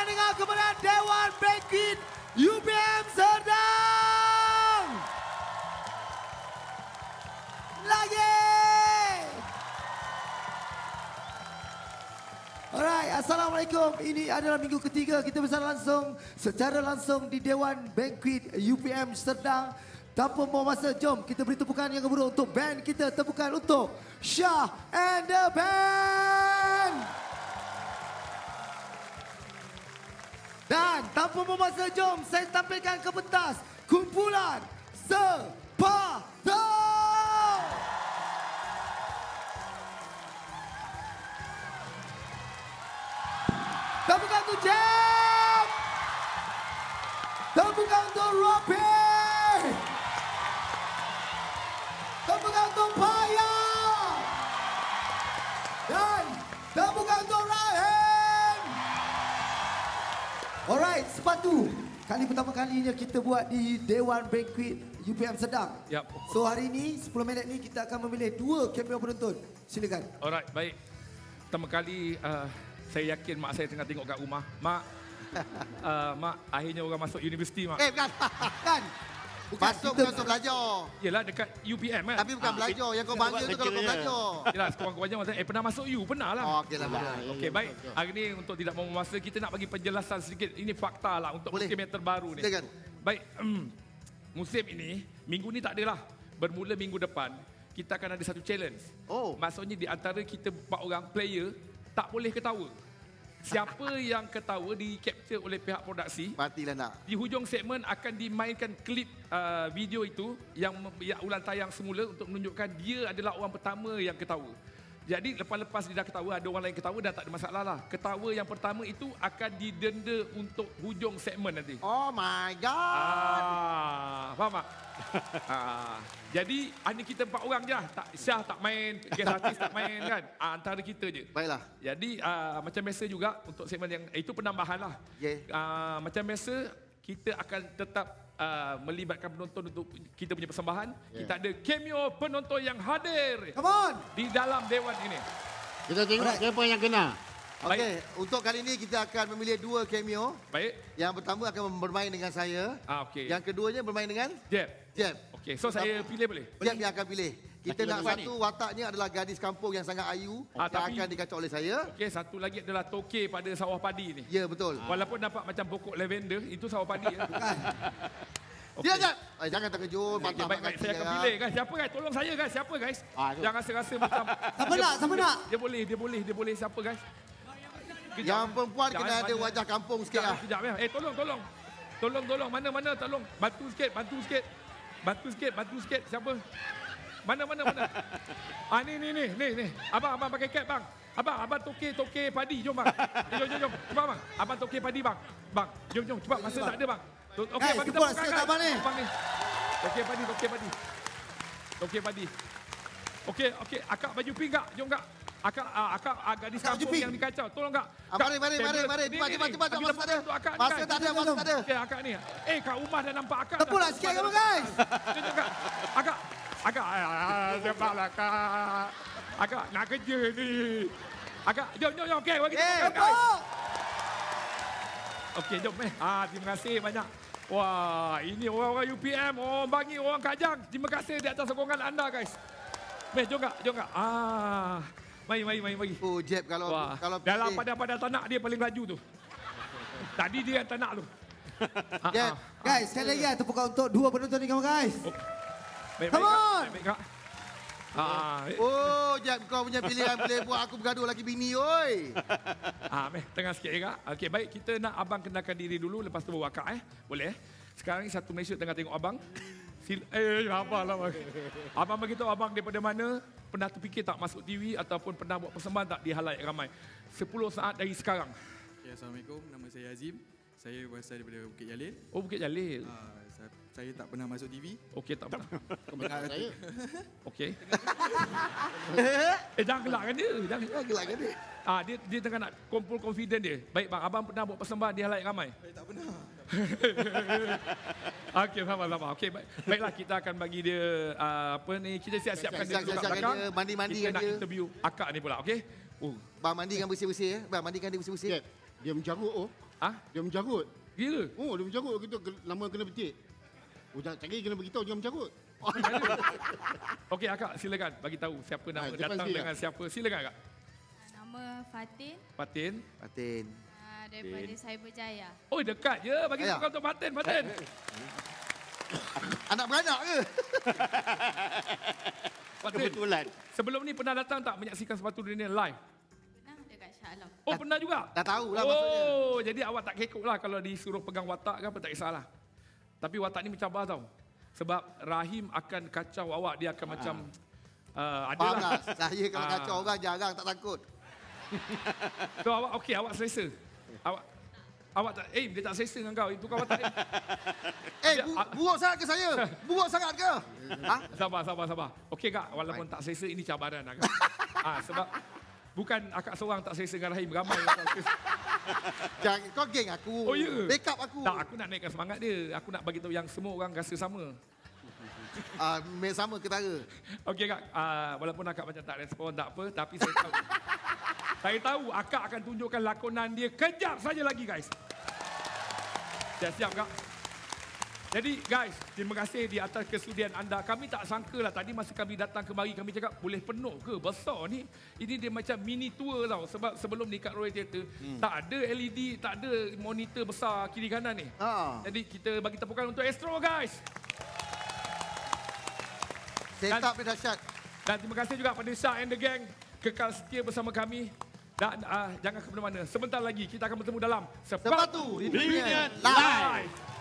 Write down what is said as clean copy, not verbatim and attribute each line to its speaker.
Speaker 1: akan dengar kemenangan Dewan Banquet UPM Serdang. Lagi. Alright, Assalamualaikum. Ini adalah minggu ketiga kita bersama secara langsung di Dewan Banquet UPM Serdang. Tanpa membuang masa, jom kita beri tepukan yang gemuruh untuk band kita. Tepukan untuk Shah and the Band. Dan tanpa membuang masa, jom saya tampilkan ke pentas kumpulan Sepatu. Tepukan untuk Jam. Tepukan untuk Robbie. Tepukan untuk Paya. Dan tepukan untuk Rahim. Alright, Sepatu. Kali pertama kalinya kita buat di Dewan Banquet UPM Serdang.
Speaker 2: Yap.
Speaker 1: So hari ini 10 minit ni kita akan memilih 2 cameo penonton. Silakan.
Speaker 2: Alright, baik. Pertama kali saya yakin mak saya tengah tengok kat rumah. Mak, mak akhirnya orang masuk universiti, mak.
Speaker 3: Bukan.
Speaker 1: Kan?
Speaker 3: Masuk bukan untuk belajar.
Speaker 2: Yelah dekat UPM kan.
Speaker 3: Tapi bukan belajar. Yang kau bangga tu kalau kau belajar.
Speaker 2: Yelah sekurang-kurangnya masa pernah masuk U, pernah lah.
Speaker 3: Oh, okey lah.
Speaker 2: Okey, baik. Hari ni untuk tidak membuang masa, kita nak bagi penjelasan sedikit. Ini fakta lah untuk
Speaker 3: Boleh.
Speaker 2: musim yang terbaru ni.
Speaker 3: Silakan.
Speaker 2: Baik, musim ini, minggu ni tak adalah. Bermula minggu depan, kita akan ada satu challenge.
Speaker 3: Oh.
Speaker 2: Maksudnya di antara kita 4 orang player, tak boleh ketawa. Siapa yang ketawa di-capture oleh pihak produksi,
Speaker 3: Matilah nak.
Speaker 2: di hujung segmen akan dimainkan klip video itu yang ulang tayang semula untuk menunjukkan dia adalah orang pertama yang ketawa. Jadi lepas-lepas dia dah ketawa, ada orang lain ketawa, dah tak ada masalah lah. Ketawa yang pertama itu akan didenda untuk hujung segmen nanti.
Speaker 3: Oh my God.
Speaker 2: Faham tak? Jadi hanya kita 4 orang je lah. Syah tak main, guest artist tak main kan. Antara kita je.
Speaker 3: Baiklah.
Speaker 2: Jadi macam biasa juga untuk segmen yang itu penambahan lah.
Speaker 3: Okay.
Speaker 2: Macam biasa kita akan tetap melibatkan penonton untuk kita punya persembahan. Kita ada cameo penonton yang hadir
Speaker 1: Come on.
Speaker 2: di dalam dewan ini.
Speaker 4: Kita tengok siapa yang kena.
Speaker 3: Okey, untuk kali ini kita akan memilih 2 cameo.
Speaker 2: Baik.
Speaker 3: Yang pertama akan bermain dengan saya.
Speaker 2: Okey.
Speaker 3: Yang keduanya bermain dengan
Speaker 2: Jeb.
Speaker 3: Jeb.
Speaker 2: Okey, so saya pilih boleh?
Speaker 3: Jeb yang akan pilih. Kita
Speaker 4: Laki
Speaker 3: nak
Speaker 4: lelaki
Speaker 3: satu wataknya adalah gadis kampung yang sangat ayu yang
Speaker 2: tapi-
Speaker 3: akan dikacau oleh saya.
Speaker 2: Okey, satu lagi adalah toke pada sawah padi ni.
Speaker 3: Ya, betul.
Speaker 2: Walaupun nampak macam pokok lavender, itu sawah padi ya. Okey.
Speaker 3: Dia Jeb. Jangan terkejut.
Speaker 2: Okey, baik, saya akan pilih guys. Siapa guys? Tolong saya guys. Siapa guys?
Speaker 4: Tu.
Speaker 2: Jangan rasa-rasa macam
Speaker 1: Siapa nak? Siapa nak?
Speaker 2: Dia boleh siapa guys?
Speaker 3: Yang perempuan
Speaker 2: Jangan
Speaker 3: kena ada
Speaker 2: banyak.
Speaker 3: wajah kampung sikit lah.
Speaker 2: Sekejap ya. Tolong. Tolong. Mana. Tolong. Bantu sikit. Siapa? Mana. Ni. Abang pakai cap bang. Abang toke padi. Jom bang. Jom. Cepat bang. Abang toke padi bang. Bang, jom. Cepat. Masa tak ada bang. Okey,
Speaker 1: Guys,
Speaker 2: bang kita
Speaker 1: cepat
Speaker 2: buka
Speaker 1: sikit abang ni.
Speaker 2: Abang ni. Toke padi. Okey. Akak baju pink kak. Jom kak. Akak gadis
Speaker 1: Akak baju
Speaker 2: kampung
Speaker 1: pink.
Speaker 2: yang dikacau. Tolong kak.
Speaker 3: Mari.
Speaker 2: Ni.
Speaker 3: Cepat.
Speaker 2: Bagi
Speaker 3: Masa tak ada.
Speaker 2: untuk akak ni,
Speaker 3: Masa
Speaker 2: guys.
Speaker 3: tak ada.
Speaker 2: Okey, akak ni. Kat rumah dah nampak akak.
Speaker 1: Tepuk lah sikit kamu guys.
Speaker 2: Jom, Kak. Akak. Sabarlah, Kak. Akak nak kerja ni. Akak, jom. Okey, bagi tepuk.
Speaker 1: Tepuk.
Speaker 2: Okey, jom. Terima kasih banyak. Wah, ini orang-orang UPM, orang Bangi, orang Kajang. Terima kasih di atas sokongan anda, guys. Jom, Kak. Mari.
Speaker 3: Oh, Jeb kalau
Speaker 2: Wah,
Speaker 3: pilih.
Speaker 2: dalam padang tanak dia paling laju tu. Tadi dia yang tanak tu.
Speaker 3: Jeb.
Speaker 1: Guys, sekali lagi tepukan untuk 2 penonton ni kamu guys.
Speaker 2: Baik,
Speaker 1: Come on.
Speaker 2: Baik, Kak.
Speaker 3: Oh, Jeb kau punya pilihan boleh buat aku bergaduh lagi bini, oi.
Speaker 2: Tengah sikit Kak. Okey, baik, kita nak abang kenalkan diri dulu, lepas tu bawa Kak Boleh Sekarang ni satu Malaysia tengah tengok abang. Apalah bang. Abang beritahu abang daripada mana, pernah terfikir tak masuk TV ataupun pernah buat persembahan tak di halayak ramai. 10 saat dari sekarang.
Speaker 5: Okay, Assalamualaikum, nama saya Azim. Saya berasal daripada Bukit Jalil.
Speaker 2: Oh, Bukit Jalil.
Speaker 5: Saya tak pernah masuk TV.
Speaker 2: Okey, tak pernah.
Speaker 4: Kebenaran saya.
Speaker 2: Okey. Jangan gelakkan dia. Jangan
Speaker 3: Gelakkan dia.
Speaker 2: dia tengah nak kumpul confident dia. Baik bang, abang pernah buat persembahan di halayak ramai?
Speaker 5: Saya tak pernah.
Speaker 2: Okey, sama-sama. Okey, baiklah kita akan bagi dia kita siap-siapkan dia duduk kat
Speaker 3: Siapkan
Speaker 2: belakang.
Speaker 3: dia, mandi-mandikan
Speaker 2: Kita nak
Speaker 3: dia.
Speaker 2: interview akak ni pula, okey?
Speaker 3: Bang mandikan bersih-bersih ya. Bang mandikan dia bersih-bersih.
Speaker 4: Jeb, dia mencarut oh.
Speaker 2: Ah,
Speaker 4: Dia mencarut.
Speaker 2: gila.
Speaker 4: Oh, dia mencarut. Kita lama kena petik. Oh, tak lagi kena beritahu jangan mencarut.
Speaker 2: Okey, akak silakan bagi tahu siapa nama
Speaker 4: depan
Speaker 2: datang
Speaker 4: sini,
Speaker 2: dengan siapa. Silakan akak.
Speaker 6: Nama Fatin
Speaker 2: Fatin.
Speaker 3: Fatin.
Speaker 6: daripada Cyberjaya.
Speaker 2: Oh, dekat je. Bagi
Speaker 3: Ayah.
Speaker 2: tukar untuk Fatin. Fatin.
Speaker 3: Anak beranak ke?
Speaker 2: Fatin.
Speaker 4: Kebetulan.
Speaker 2: Sebelum ni pernah datang tak menyaksikan Sepatu Dunia live?
Speaker 6: Pernah dekat Shah Alam.
Speaker 2: Oh, pernah juga?
Speaker 3: Dah tahu lah maksudnya.
Speaker 2: Oh, jadi awak tak kekok lah kalau disuruh pegang watak ke apa, tak kisahlah. Tapi watak ni mencabar tau. Sebab Rahim akan kacau awak. Dia akan macam...
Speaker 3: Faham
Speaker 2: adalah.
Speaker 3: lah. Saya kalau
Speaker 2: Ah.
Speaker 3: kacau orang jarang tak takut.
Speaker 2: So awak okey, awak selesa. Awak tak, dia tak selesa dengan kau. Itu kau watak.
Speaker 3: Buruk sangat ke saya? Buruk sangat ke? Ha?
Speaker 2: Sabar. Okey kak, walaupun tak selesa, ini cabaran lah kak. Sebab bukan akak seorang tak selesa dengan Rahim. Ramai yang tak selesa.
Speaker 3: Jangan, kau geng aku.
Speaker 2: Oh, ya?
Speaker 3: Backup aku.
Speaker 2: Tak, aku nak naikkan semangat dia. Aku nak bagi tahu yang semua orang rasa sama.
Speaker 3: Sama ketara.
Speaker 2: Okey kak, walaupun akak macam tak respon, tak apa. Tapi saya tahu. Saya tahu akak akan tunjukkan lakonan dia kejap saja lagi guys. Siap kak. Jadi guys, terima kasih di atas kesudian anda. Kami tak sangka lah tadi masa kami datang kemari, kami cakap boleh penuh ke? Besar ni. Ini dia macam mini tour tau. Sebab sebelum ni kat Royal Theatre, tak ada LED, tak ada monitor besar kiri kanan ni. Jadi kita bagi tepukan untuk Astro guys.
Speaker 3: Setup dia dahsyat.
Speaker 2: Dan terima kasih juga pada Syah and the Gang. Kekal setia bersama kami. Dan jangan ke mana-mana. Sebentar lagi kita akan bertemu dalam
Speaker 3: Sepatu Reunion
Speaker 2: Live.